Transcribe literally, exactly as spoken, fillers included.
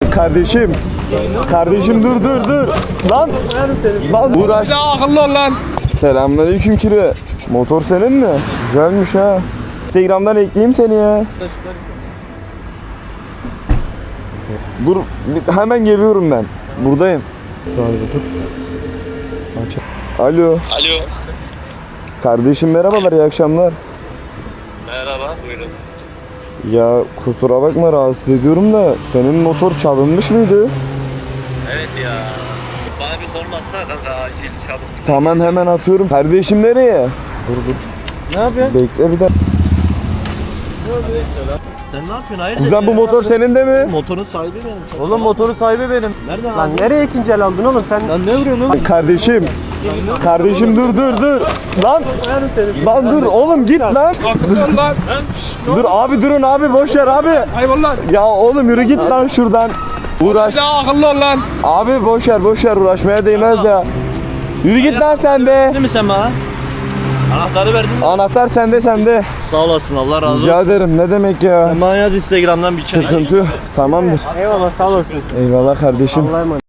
Kardeşim. Kardeşim dur dur dur. Lan. Lan uğraş. Bir daha akıllı ol lan. Selamünaleyküm kire. Motor senin mi? Güzelmiş ha. Instagram'dan ekleyeyim seni ya. Dur bir- hemen geliyorum ben. Buradayım. Saniye dur. Aç. Alo. Alo. Kardeşim merhabalar, iyi akşamlar. Merhaba, buyurun. Ya kusura bakma rahatsız ediyorum da senin motor çalınmış mıydı? Evet ya. Bana bir sormazsa kanka acil çabuk. Tamam hemen atıyorum. Kardeşim nereye? Dur dur. Ne yapıyorsun? Bekle bir de. Sen ne yapıyorsun? Hayırdır? Kuzen bu motor senin de mi? Motorun sahibi benim. Oğlum motoru sahibi benim. Nereden Lan aldın? nereye ikinci el aldın oğlum sen? Lan ne vuruyorsun oğlum? Kardeşim. Kardeşim dur dur dur. Lan. Lan dur oğlum git lan. Akıllı ol lan. Dur abi durun abi boş ver abi. Hayvan lan. Ya oğlum yürü git lan şuradan. Uğraş. Bir daha akıllı ol lan. Abi boş ver boş ver uğraşmaya değmez ya. Yürü git lan sen de. Değil mi sen bana? Anahtarı verdin mi? Anahtar sende sende. Sağ olasın, Allah razı olsun. Rica ederim ne demek ya. Sen bana yaz Instagram'dan bir çay. Sıkıntı yok. Tamamdır. Eyvallah sağ olasın. Eyvallah kardeşim. Allah'a emanet.